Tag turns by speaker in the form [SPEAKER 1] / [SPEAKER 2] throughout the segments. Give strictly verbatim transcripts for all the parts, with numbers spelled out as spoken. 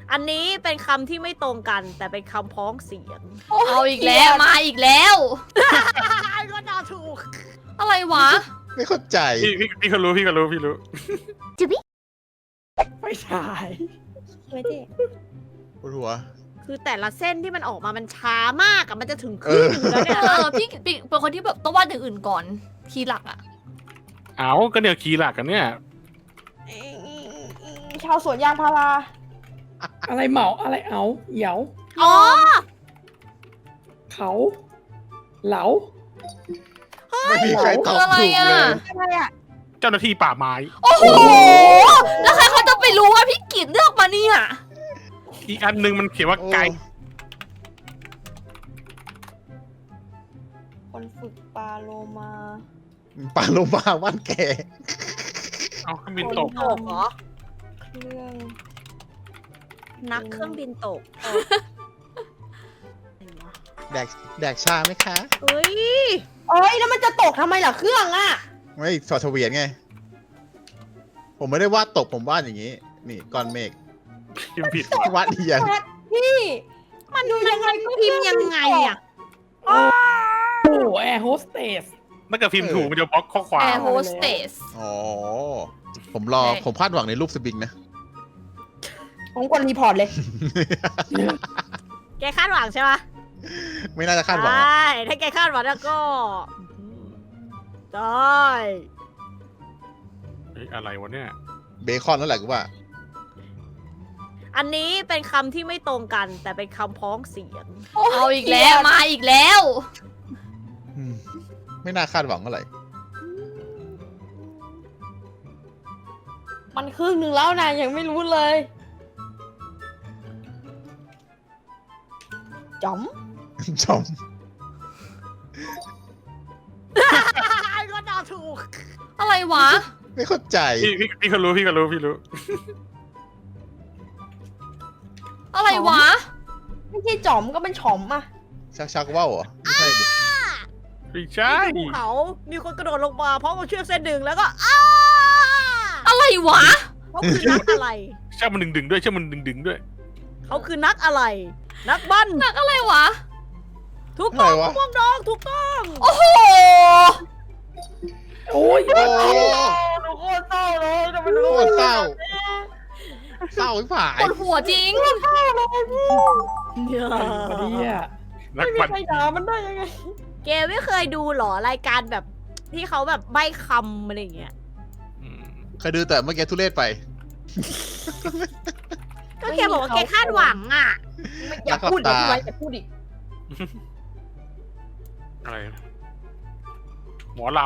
[SPEAKER 1] อันนี้เป็นคำที่ไม่ตรงกันแต่เป็นคำพ้องเสียง
[SPEAKER 2] เอาอีกแล้วมาอีกแล้ว
[SPEAKER 1] ก็เดาถูก
[SPEAKER 2] อะไรวะ
[SPEAKER 3] ไม่เข้าใจ
[SPEAKER 4] พี่พี่พี่ก็รู้พี่ก็รู้พี่รู้
[SPEAKER 5] ไม่ใช่
[SPEAKER 1] ไม่ใช่
[SPEAKER 3] ปวดหัว
[SPEAKER 1] คือแต่ละเส้นที่มันออกมามันช้ามากอะมันจะถึงค
[SPEAKER 3] เอ
[SPEAKER 1] รึ่ง
[SPEAKER 3] อ
[SPEAKER 1] หนึ่งแล้วเนี่ย
[SPEAKER 2] เออพี่พี่เป็นคนที่แบบต้องวาดอย่างอื่นก่อนทีหลักอะ
[SPEAKER 4] เอาก็เนี่ยคีย์หลักกันเนี่ย
[SPEAKER 5] ชาวสวนยางพาราอะไรเหมาอะไรเอาเหยา
[SPEAKER 1] อ๋อ
[SPEAKER 5] เขา เหลา
[SPEAKER 3] ไม่มีใครตอบถูกเลย
[SPEAKER 5] อะไรอ่ะ
[SPEAKER 4] เจ้าหน้าที่ป่าไม้
[SPEAKER 2] โอ้โหแล้วใครเขาจะไปรู้ว่าพี่กิตเลือกมาเนี่ย
[SPEAKER 4] อีกอันหนึงมันเขียนว่าไก่
[SPEAKER 5] คนฝึกปาโลมา
[SPEAKER 3] ปลาโลมาว่านแก
[SPEAKER 4] เอาเครื่องบินตก
[SPEAKER 1] ตกเหรอ
[SPEAKER 5] เครื่อง
[SPEAKER 1] นักเครื่องบินตก
[SPEAKER 3] แดกแดกชาไหมคะ
[SPEAKER 1] เฮ้ย
[SPEAKER 5] เอ้ยแล้วมันจะตกทำไมล่ะเครื่องอ่ะ
[SPEAKER 3] ไม่สอดเฉวียนไง ผมไม่ได้วาดตกผมวาดอย่างนี้ นี่ก้อนเมฆ
[SPEAKER 4] พิมพ์ผิด
[SPEAKER 3] วาดเอียง
[SPEAKER 5] พี่
[SPEAKER 1] มันดูยังไงพิมพ์ยังไงอะ
[SPEAKER 5] โอ้แอร์โฮสเตส
[SPEAKER 4] ถ้าเกิดพิมพ์ถูกมันจะบล็อกข้อควา
[SPEAKER 2] แอ
[SPEAKER 4] ม
[SPEAKER 2] ร์โฮสเตส
[SPEAKER 3] อ๋อ ผมรอ
[SPEAKER 2] ใช่
[SPEAKER 3] ผมคาดหวังในรูปสปริงนะ
[SPEAKER 5] ผมกดรีพอร์ตเลย
[SPEAKER 1] แกคาดหวังใช่ปะ
[SPEAKER 3] ไม่น่าจะคาดหวัง
[SPEAKER 1] ใช
[SPEAKER 3] อะ
[SPEAKER 1] ่ถ้าแกคาดหวังแล้วก็ได้
[SPEAKER 4] เฮ้ยอะไรวะเนี่ย
[SPEAKER 3] เบคอนนั่นแหละกูว่า
[SPEAKER 1] อันนี้เป็นคำที่ไม่ตรงกันแต่เป็นคำพ้องเสียง
[SPEAKER 2] เอาอีกแล้วมาอีกแล้ว
[SPEAKER 3] อืมไม่น่าคาดหวังเท่าไหร่
[SPEAKER 5] มันครึ่งหนึ่งแล้วนะยังไม่รู้เลยจ๋อม
[SPEAKER 3] ชม
[SPEAKER 1] ก็เดาถูก
[SPEAKER 2] อะไรวะ
[SPEAKER 3] ไม่เข้าใจ
[SPEAKER 4] พี่พี่พี่ก็รู้พี่ก็รู้พี่รู้
[SPEAKER 2] อะไรวะ
[SPEAKER 5] ไม่ใช่จ๋อมก็เป็นฉอมอ่ะ
[SPEAKER 3] ชักชักว่าวเหรอไม่ใช่ดิ
[SPEAKER 4] ไม่ใช่
[SPEAKER 1] ภูเขามีคนกระโดดลงมาเพราะมันเชือกเส้นหนึ่งแล้วก็อ้า
[SPEAKER 2] อะไรวะ
[SPEAKER 1] เขาคือนักอะไร
[SPEAKER 4] เชื่อมันดึงดึงๆด้วยเชื่อมันดึงดึงๆด้วย
[SPEAKER 1] เขาคือนักอะไร นักบัน
[SPEAKER 2] หนักอะไรวะ
[SPEAKER 1] ถูกต้อง
[SPEAKER 3] อะไรวะ
[SPEAKER 1] พวกน้องถูกต้อง
[SPEAKER 2] โอ้โห
[SPEAKER 5] โอ้ย
[SPEAKER 3] โอ้
[SPEAKER 5] ทุกคนเศร้าเลยทำไม
[SPEAKER 3] โคตรเศร้า เศร้าไม่ผ่า
[SPEAKER 2] ป
[SPEAKER 3] ยว
[SPEAKER 2] ดหัวจริง
[SPEAKER 1] เนี่ย
[SPEAKER 5] เนี่ย
[SPEAKER 4] นัก
[SPEAKER 5] ไม่มี
[SPEAKER 4] บัน
[SPEAKER 5] ใครด่ามันได้ยังไง
[SPEAKER 1] เกมไม่เคยดูเหรอรายการแบบที่เขาแบบใบ้คำอะไรอย่างเงี้ย
[SPEAKER 4] อืม
[SPEAKER 3] เคยดูแต่เมื่อกี้ทุเรศไป
[SPEAKER 1] ก็แกบอกว่าแกคาดหวังอ่ะ
[SPEAKER 5] ไม่อยากพูดอย่าพูดไว้อย่าพูดอีก
[SPEAKER 4] อะไรหมอล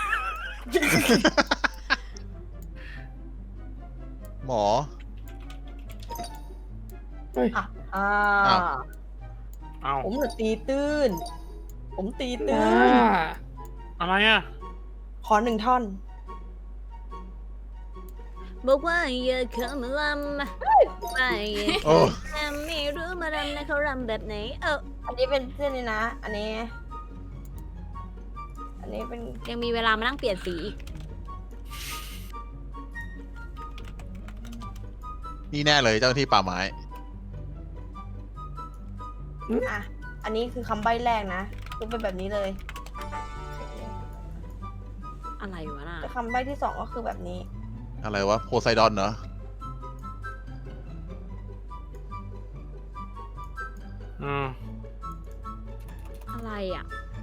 [SPEAKER 3] หมอ
[SPEAKER 5] อ่ะอ่า
[SPEAKER 3] อ้าว
[SPEAKER 4] ำเอา
[SPEAKER 5] ผมน่ะตีตื้น ผมตีตื้
[SPEAKER 6] อ่าน
[SPEAKER 4] อะไรอ่ะ
[SPEAKER 5] ขอหนึ่งท่อน
[SPEAKER 1] บอกว่าอย่าเข้ามาลำไม่
[SPEAKER 3] โอ้
[SPEAKER 1] ไม่รู้มารำนะเขารำแบบไหน เออ
[SPEAKER 5] อันนี้เป็นเส้นนี้นะ อันนี้ อันนี้เป็น
[SPEAKER 1] ยังมีเวลามานั่งเปลี่ยนสีอีก
[SPEAKER 3] นี่แน่เลยเจ้าหน้าที่ป่าไม้
[SPEAKER 5] อ่ะ อันนี้คือคำใบ้แรกนะคือเป็นแบบนี้เลย
[SPEAKER 1] อะไรวะน่ะ
[SPEAKER 5] แต่คำใบ้ที่สองก็คือแบบนี้
[SPEAKER 3] อะไรวะ โพไซดอนเหรอ
[SPEAKER 4] อืม
[SPEAKER 1] อะไรอ่ะ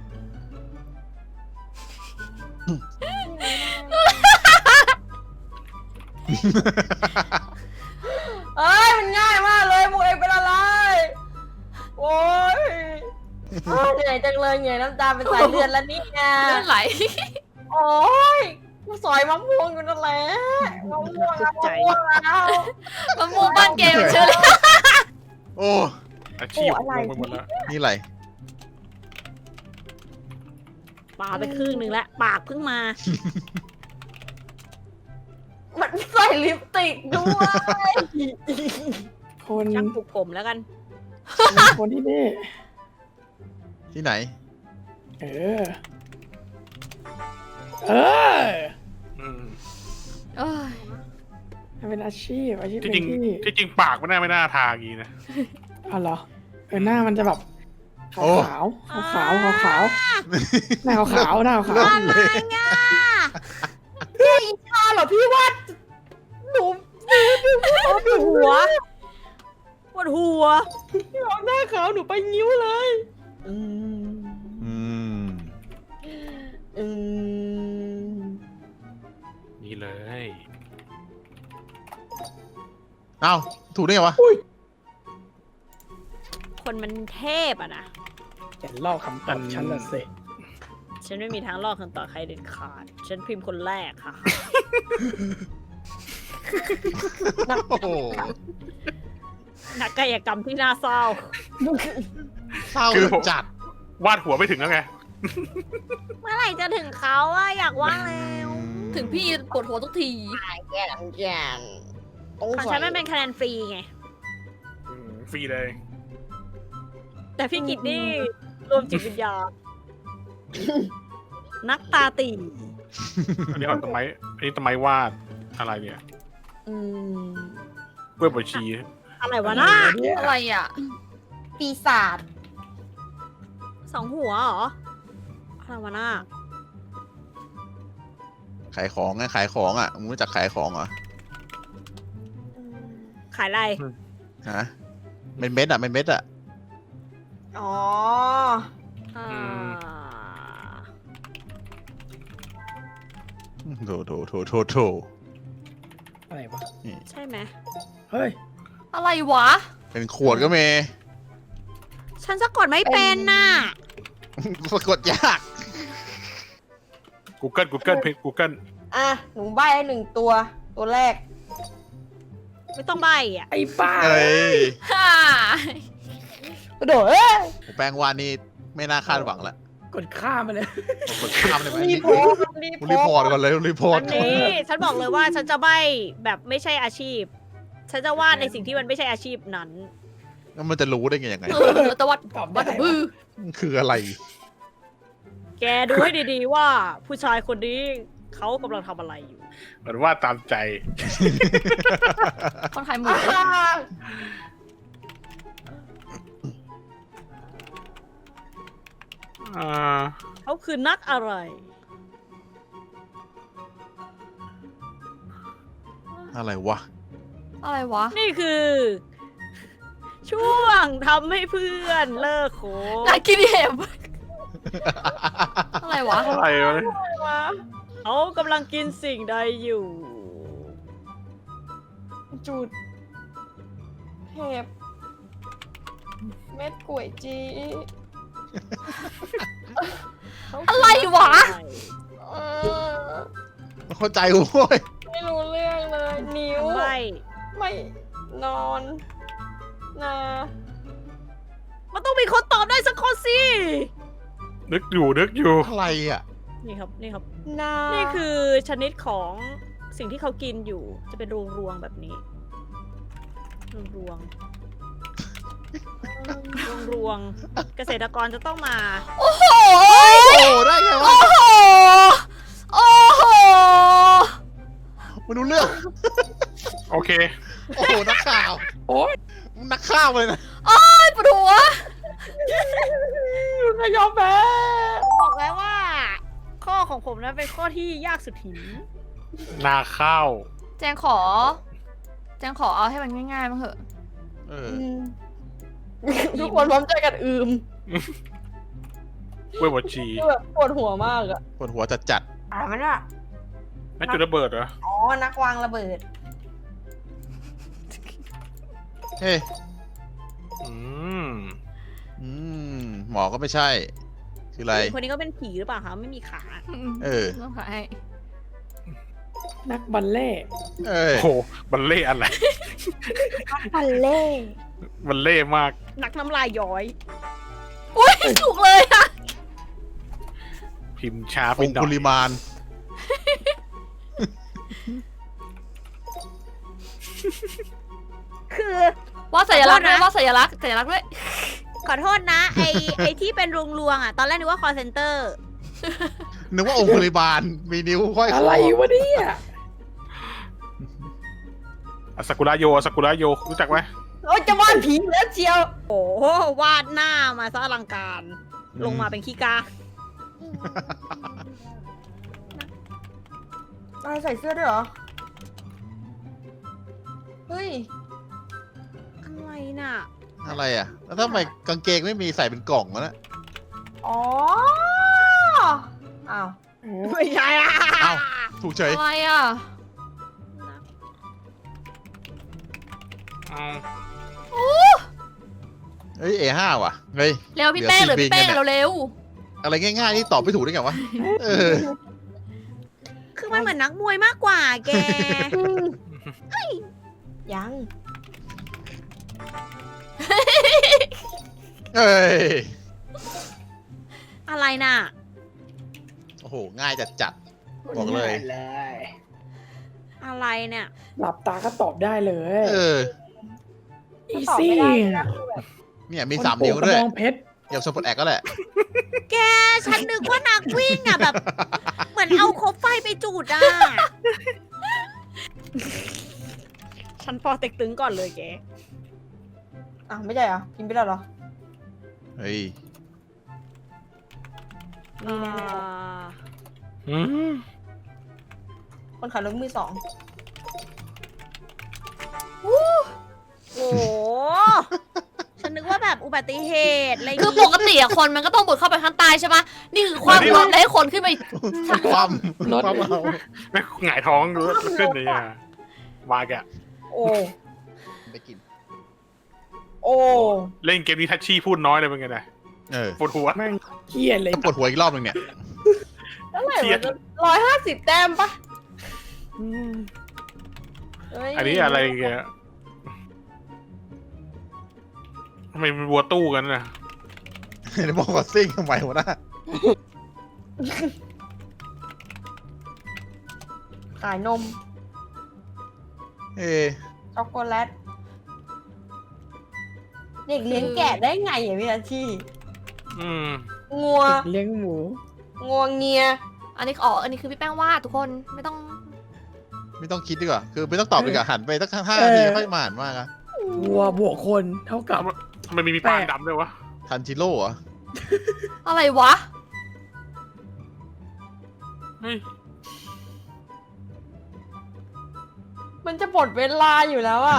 [SPEAKER 5] เอ้ย มันง่ายมากเลยมูเอกเป็นอะไร โอ้ยโอ้ยเหนื่อยจังเลยเหนื่อยน้ำตาเป็นสายเลือดแล้วนี่ไง
[SPEAKER 2] เลือดไหล
[SPEAKER 5] โอ้ยกูสอยมะม่วงอยู่นั่นแหละมะม่วงแล้วมะม่วงแล้ว
[SPEAKER 2] มะม่วงบ้านเกมเชื่อเลย
[SPEAKER 3] โอ้
[SPEAKER 4] อาชีพ
[SPEAKER 5] โอ้อะไร
[SPEAKER 4] ลงไปหมดแล้ว
[SPEAKER 3] นี่อะไร
[SPEAKER 1] ปาไปครึ่งหนึ่งแล้ว ปากเพิ่งมา
[SPEAKER 5] มันใส่ลิปสติกด้วย
[SPEAKER 6] คน
[SPEAKER 1] ช่างปลูกผมแล้วกัน
[SPEAKER 6] คนที่นี่
[SPEAKER 3] ที่ไหน
[SPEAKER 6] เออ เออ
[SPEAKER 4] อืม
[SPEAKER 2] เอ้ย
[SPEAKER 6] มันเป็นอาชีพอาชีพห
[SPEAKER 4] ที่
[SPEAKER 6] นึ่
[SPEAKER 4] จริง
[SPEAKER 6] งที่
[SPEAKER 4] ที่จริงปากไม่น่าไม่น่าทาอย่างงี้นะ
[SPEAKER 6] อ๋อเหรอเออหน้ามันจะแบบขาว
[SPEAKER 3] โอ้
[SPEAKER 6] ขาวขาวขาวขาวๆหน้าขาวขาวๆหน้าขาว
[SPEAKER 3] เริ่มเลย
[SPEAKER 5] อ้าวเหรอพี่วาดหนู
[SPEAKER 1] โอ้ปวดหัวปวดหัว
[SPEAKER 5] พี่บอกหน้าขาวหนูไปนิ้วเลย อืม
[SPEAKER 3] อืม
[SPEAKER 5] อืม
[SPEAKER 4] นี่เลย
[SPEAKER 3] เอ้าถูกได้ไงวะ
[SPEAKER 1] คนมันเทพอะนะ
[SPEAKER 6] ๆอย่าลอกคำตอบฉันละสิ
[SPEAKER 1] ฉันไม่มีทางลอกคำตอบใครเด็ดขาด ฉันพิมพ์คนแรกค่ะ
[SPEAKER 3] โอ้โห
[SPEAKER 1] นักกายกรรมที่น่าเศร้า
[SPEAKER 3] เศร้าจัด
[SPEAKER 4] วาดหัวไม่ถึงแล้วไง
[SPEAKER 1] เมื่อไหร่จะถึงเขาอะอยากว่าแล้ว
[SPEAKER 2] ถึงพี่ปวดหัวทุกที
[SPEAKER 5] แก่นแก่นต้อง
[SPEAKER 1] ของฉันมันเป็นคะแนนฟรีไง
[SPEAKER 4] อืมฟรีเลย
[SPEAKER 1] แต่พี่กิตนี่รวมจิตวิญญาณ นักตาตี
[SPEAKER 4] อันนี้เอาต้นไม้อันนี้ต้นไม้วาดอะไรเนี่ย
[SPEAKER 5] อืม
[SPEAKER 4] กล้วยบวชชี
[SPEAKER 1] อะไรวะน่า
[SPEAKER 6] เนี่ย
[SPEAKER 2] อะไรอ่ะ
[SPEAKER 5] ปีศาจ
[SPEAKER 1] สองหัวเหรออะไรวะน่า
[SPEAKER 3] ขายของไงขายของอ่ะมึงรู้จักขายของเหรอ
[SPEAKER 1] ขายอะไร
[SPEAKER 3] ฮะเป็นเม็ดอ่ะเป็นเม็ดอ่ะ
[SPEAKER 5] อ๋อ
[SPEAKER 1] อ่า
[SPEAKER 3] โถโถโถโถโถ
[SPEAKER 6] อะไรวะ
[SPEAKER 1] ใช่ไหม
[SPEAKER 6] เฮ้ย
[SPEAKER 2] อะไรวะ
[SPEAKER 3] เป็นขวดก็มี
[SPEAKER 1] ฉันสะกดไม่เป็นน่ะ
[SPEAKER 3] สะกดยาก
[SPEAKER 4] Google Google เพจ Google
[SPEAKER 5] อ่ะ หนูใบให้หนึ่งตัว ตัวแรก
[SPEAKER 1] ไม่ต้องใบอ่ะ
[SPEAKER 6] ไอ้บ้า
[SPEAKER 3] เอ้ย
[SPEAKER 2] ฮ่าก
[SPEAKER 5] ระโดดเอ้ย
[SPEAKER 3] แปลงวานนี่ไม่น่าคาดหวังละ
[SPEAKER 6] กดข้ามไปเลย
[SPEAKER 3] กดข้ามเลยไหม
[SPEAKER 5] รี
[SPEAKER 3] รี
[SPEAKER 5] พอร์ตรีพ
[SPEAKER 3] รีพ
[SPEAKER 5] อ
[SPEAKER 3] อร์
[SPEAKER 5] ร์
[SPEAKER 3] ต
[SPEAKER 5] ต
[SPEAKER 3] ก่อนเลยรีพอร์ต
[SPEAKER 1] อันนี้ฉันบอกเลยว่าฉันจะใบแบบไม่ใช่อาชีพ ฉันจะวาดในสิ่งที่มันไม่ใช่อาชีพนั้น
[SPEAKER 3] แล้วมันจะรู้ได้ไงยังไง
[SPEAKER 2] เออแต่วัด
[SPEAKER 6] ตอบ
[SPEAKER 2] วัด
[SPEAKER 6] ได้
[SPEAKER 2] บือ
[SPEAKER 3] มันคืออะไร
[SPEAKER 1] แกดูให้ดีๆว่า ผู้ชายคนนี้เขากำลังทำอะไรอยู่
[SPEAKER 4] เหมือนวาดตามใจ
[SPEAKER 2] คนขายหมู
[SPEAKER 5] อ่า
[SPEAKER 4] อ่า
[SPEAKER 1] เขาคือนักอะไร
[SPEAKER 3] อะไรวะ
[SPEAKER 2] อะไรวะ
[SPEAKER 1] นี่คือ ช่วงทำให้เพื่อนเลิกโคบ
[SPEAKER 2] นากินเห็บอะไรวะ
[SPEAKER 4] อะไรวะ
[SPEAKER 1] เขากำลังกินสิ่งใดอยู่
[SPEAKER 5] จุดเห็บ เม็ดก๋วยจี
[SPEAKER 2] อะไรวะ
[SPEAKER 5] เออ
[SPEAKER 3] ไม่เข้าใจโว้ย
[SPEAKER 5] ไม่รู้เรื่องเลย นิ้ว
[SPEAKER 1] ไม่
[SPEAKER 5] ไม่นอนนา
[SPEAKER 1] มันต้องมีคนตอบได้สักคนสิ
[SPEAKER 4] นึกอยู่นึกอยู่
[SPEAKER 3] อะไรอ่ะ
[SPEAKER 1] นี่ครับ นี่ครับ
[SPEAKER 5] นา
[SPEAKER 1] นี่คือชนิดของสิ่งที่เขากินอยู่ จะเป็นรวงรวงๆแบบนี้ รวงรวงรวงรวงๆเกษตรกรจะต้องมา
[SPEAKER 2] โอ้โห
[SPEAKER 3] โอ้ได้ไงวะ
[SPEAKER 2] โอ้โห โอ้โห
[SPEAKER 3] ไม่รู้เรื่อง
[SPEAKER 4] โอเค
[SPEAKER 3] โอ้โหนักข่าว
[SPEAKER 6] โอ๊ย
[SPEAKER 3] นักข่าวเลยนะ
[SPEAKER 2] โอ้ยปวดหัว
[SPEAKER 5] นายยอมแพ้
[SPEAKER 1] ผมบอกแล้วว่า ข้อของผมนั้นเป็นข้อที่ยากสุดหิน
[SPEAKER 4] นาข้าว
[SPEAKER 2] แจงขอ แจงขอเอาให้มันง่ายๆมั้งเหอะ
[SPEAKER 3] เออ
[SPEAKER 5] ทุกคนพร้อมใจกันอืม
[SPEAKER 4] กล้วยบวชชี
[SPEAKER 5] คือแบบปวดหัวมากอะ
[SPEAKER 3] ปวดหัวจัดจัด
[SPEAKER 5] อ่ามันอะ
[SPEAKER 4] นั่นจุดระเบิดเหรอ
[SPEAKER 5] อ๋อ นักวางระเบิด
[SPEAKER 3] ๆเฮ้ย
[SPEAKER 4] อืม
[SPEAKER 3] อืมหมอก็ไม่ใช่ คืออะไร
[SPEAKER 1] คนนี้ก็เป็นผีหรือเปล่าคะไม่มีขา
[SPEAKER 3] เออ
[SPEAKER 2] ต้องขายให้
[SPEAKER 6] นักบัลเล่ต์
[SPEAKER 3] เอ้ย
[SPEAKER 4] โอ้โหบัลเล่อะไร
[SPEAKER 5] บัลเล่
[SPEAKER 4] บัลเล่มาก
[SPEAKER 1] นักน้ำลายย้อย
[SPEAKER 2] อุ้ยถูกเลยอะ
[SPEAKER 4] พิมพ์ช้าไป
[SPEAKER 3] อง
[SPEAKER 4] หน่อ
[SPEAKER 3] คุ
[SPEAKER 4] ย
[SPEAKER 3] ลิมาน
[SPEAKER 1] คือ
[SPEAKER 2] ว่าสัญลักษณ์ด้วย
[SPEAKER 1] ขอโทษนะ
[SPEAKER 2] ว่าสัญลักษณ์สัญลักษณ์ด้วย
[SPEAKER 1] ขอโทษนะ ไอไอที่เป็นรวงรวงๆอ่ะ ตอนแรกนึกว่า call center
[SPEAKER 3] นึกว่าองคุลิมาน มีนิ้วห้อยค
[SPEAKER 6] อะไรวะเนี่ย
[SPEAKER 4] อาซากุระโยอาซากุระโยรู้จักไหม
[SPEAKER 5] โอ้ยจะวาดผีแล้วเชียว
[SPEAKER 1] โอ้โหวาดหน้ามาซะอลังการ ลงมาเป็นขี้กา
[SPEAKER 5] อะไรใส่เสื้อด้วยเหรอ เฮ้ย
[SPEAKER 1] อะไรน่ะ
[SPEAKER 3] อะไรอ่ะ แล้วทำไมกางเกงไม่มีใส่เป็นกล่องวะนะ
[SPEAKER 5] อ๋อ อ้าว
[SPEAKER 1] ไม่ใช่อ่ะ
[SPEAKER 3] เอ้า ถูกเฉย
[SPEAKER 2] อะไรอ่ะ
[SPEAKER 4] เอา
[SPEAKER 3] เฮ้ย เอห้า ว่ะ เฮ้ย
[SPEAKER 2] เร็วพี่แป้ง
[SPEAKER 3] เหลื
[SPEAKER 2] เหลื
[SPEAKER 3] อ
[SPEAKER 2] อพี่แป้ง
[SPEAKER 3] สี่บินกันเนี่ย
[SPEAKER 2] เร็ว
[SPEAKER 3] อะไรง่ายๆนี่ตอบไม่ถูกได้ไงวะ เออ
[SPEAKER 1] คือมันเหมือนนักมวยมากกว่าแก
[SPEAKER 5] ยัง
[SPEAKER 3] เอ้ย
[SPEAKER 1] อะไรน่ะ
[SPEAKER 3] โอ้โห ง่ายจัดจัด บอกเลย
[SPEAKER 6] ง่าเลย
[SPEAKER 1] อะไรเนี่ย
[SPEAKER 6] หลับตาก็ตอบได้เลย
[SPEAKER 3] เออ
[SPEAKER 6] อี
[SPEAKER 5] ตอบ
[SPEAKER 6] ซี่
[SPEAKER 5] ไม่ได้นะ
[SPEAKER 3] เนี่ยมีสามนิ้วด้วย
[SPEAKER 6] กระบองเพชร
[SPEAKER 3] อย่างสปอร์ตแอคก็แหละ
[SPEAKER 1] แกฉันนึกว่านักวิ่งอ่ะแบบ เหมือนเอาคบไฟไปจูดอ่ะ ฉันพอเต็กตึงก่อนเลยแก
[SPEAKER 5] อ่ะไม่ใช่เหรอ กินไปแล้วเหรอ
[SPEAKER 3] เฮ้ย
[SPEAKER 5] นี่แน่
[SPEAKER 4] อืม
[SPEAKER 5] ๆคนขับรถมือสอง
[SPEAKER 1] โอ้โห ฉันนึกว่าแบบอุบัติเหตุอะไร
[SPEAKER 2] ๆคือปกติอะคนมันก็ต้องบุดเข้าไปข้างใต้ใช่ปะนี่คือความรถเลยให้คนขึ้นไป
[SPEAKER 3] ความความเอา
[SPEAKER 4] ไม่หงายท้องดูขึ้นเลยอ่ะวายแกะ
[SPEAKER 5] โอ้
[SPEAKER 3] ไปกิน
[SPEAKER 5] โอ้
[SPEAKER 4] เล่นเกมนี้ทัชชี่พูดน้อยเลยเป็นไงนะ
[SPEAKER 3] เออ
[SPEAKER 4] ปวดหัว
[SPEAKER 6] แม่งเครียดเลย
[SPEAKER 3] ต้องปวดหัวอีกรอบนึงเนี่ย
[SPEAKER 5] เท่าไหร่
[SPEAKER 4] เครียด
[SPEAKER 5] ร้อยห้าสิบแต้มปะเฮ้ย
[SPEAKER 4] อันนี้อะไรแกะทำไมมันวัวตู้กันนะ
[SPEAKER 3] เดี๋ยวบอกว่าซิ่งทำไมวะนะ
[SPEAKER 5] ขายนม
[SPEAKER 3] เอ้ย
[SPEAKER 5] ช็อกโกแลต เด็กเลี้ยงแกะได้ไงอ่ะพี่อาชี
[SPEAKER 4] อืม
[SPEAKER 5] งัว
[SPEAKER 6] เลี้ยงหมู
[SPEAKER 5] งัวเงีย
[SPEAKER 2] อันนี้อ๋ออันนี้คือพี่แป้งวาดทุกคนไม่ต้อง
[SPEAKER 3] ไม่ต้องคิดดีกว่า คือไม่ต้องตอบดีกว่าหันไปตั้งห้านาทีค่อยมาหันมากอะ
[SPEAKER 6] วัวบวกคนเท่ากับ
[SPEAKER 4] ทำไมมีมีปานดำด้วยวะ
[SPEAKER 3] ทันจิโร่เหรอ
[SPEAKER 2] อะไรวะ
[SPEAKER 4] เฮ้ย
[SPEAKER 5] มันจะหมดเวลาอยู่แล้วอ่ะ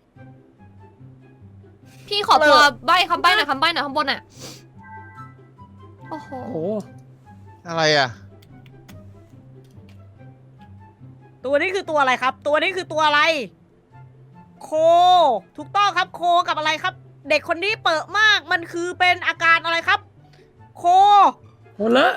[SPEAKER 2] พี่ขอตัวใบคำใบหน่อยคำใบหน่อยข้างบนอ่ะโอ้โห
[SPEAKER 6] โอ้โห
[SPEAKER 3] อะไรอ่ะ
[SPEAKER 1] ตัวนี้คือตัวอะไรครับ ตัวนี้คือตัวอะไร โค ถูกต้องครับ โคกับอะไรครับ เด็กคนนี้เปิดมาก มันคือเป็นอาการอะไรครับ โค
[SPEAKER 6] โคเละ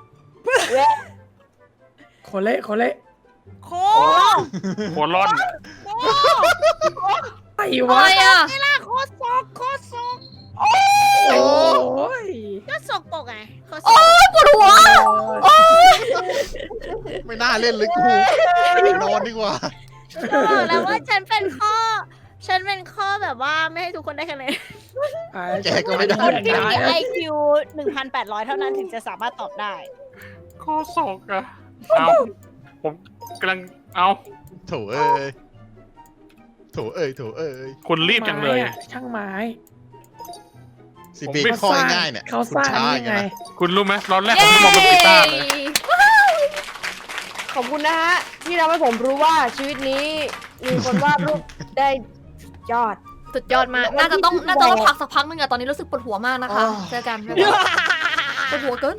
[SPEAKER 6] โคเละโคเละ
[SPEAKER 1] โค
[SPEAKER 4] โคลอน
[SPEAKER 1] โค
[SPEAKER 6] ไอ้
[SPEAKER 2] อะ
[SPEAKER 6] วะ
[SPEAKER 2] ไรอ่ะ
[SPEAKER 1] นี่ล่ะโคศกโคศก
[SPEAKER 6] โอ้ย
[SPEAKER 1] ก็ศกปรกไงโคศ
[SPEAKER 2] โอ้
[SPEAKER 1] ก
[SPEAKER 2] ยปวดหัว
[SPEAKER 3] ไม่น่าเล่นเลยกูนอนดีกว่า
[SPEAKER 1] ก็บอกแล้วว่าฉันเป็นข้อ ฉันเป็นข้อแบบว่าไม่ให้ทุกคนได้คะแนน
[SPEAKER 3] แกก็ไม่ได้
[SPEAKER 1] คนที่มี ไอ คิว หนึ่งพันแปดร้อย เท่านั้นถึงจะสามารถตอบได้
[SPEAKER 4] ข้อศอกอะเอาผมกำลังเอา
[SPEAKER 3] โถเอ้ย โถเอ้ย โถเอ้ย
[SPEAKER 4] คุณรีบจังเลย
[SPEAKER 6] ไม้อะช่างไม้
[SPEAKER 3] สิปีข้อง่ายๆเนี่ย
[SPEAKER 6] เขาสร้าง
[SPEAKER 3] คุณช้
[SPEAKER 6] นี่
[SPEAKER 3] อย่
[SPEAKER 6] ไง
[SPEAKER 3] นะ
[SPEAKER 4] คุณรู้ไหมตอนแรกผมไม่มองเป็นกีตาร์เลย
[SPEAKER 5] ขอบคุณนะฮะ ที่ทำให้ผมรู้ว่าชีวิตนี้ มีคนวาดรูปได้ยอด
[SPEAKER 2] สุดยอดมาก น่าจะต้องน่าจะต้องพักสักพักนึงอะตอนนี้รู้สึกปวดหัวมากนะคะ เจอกันบ๊ายบายปวดหัวเกิน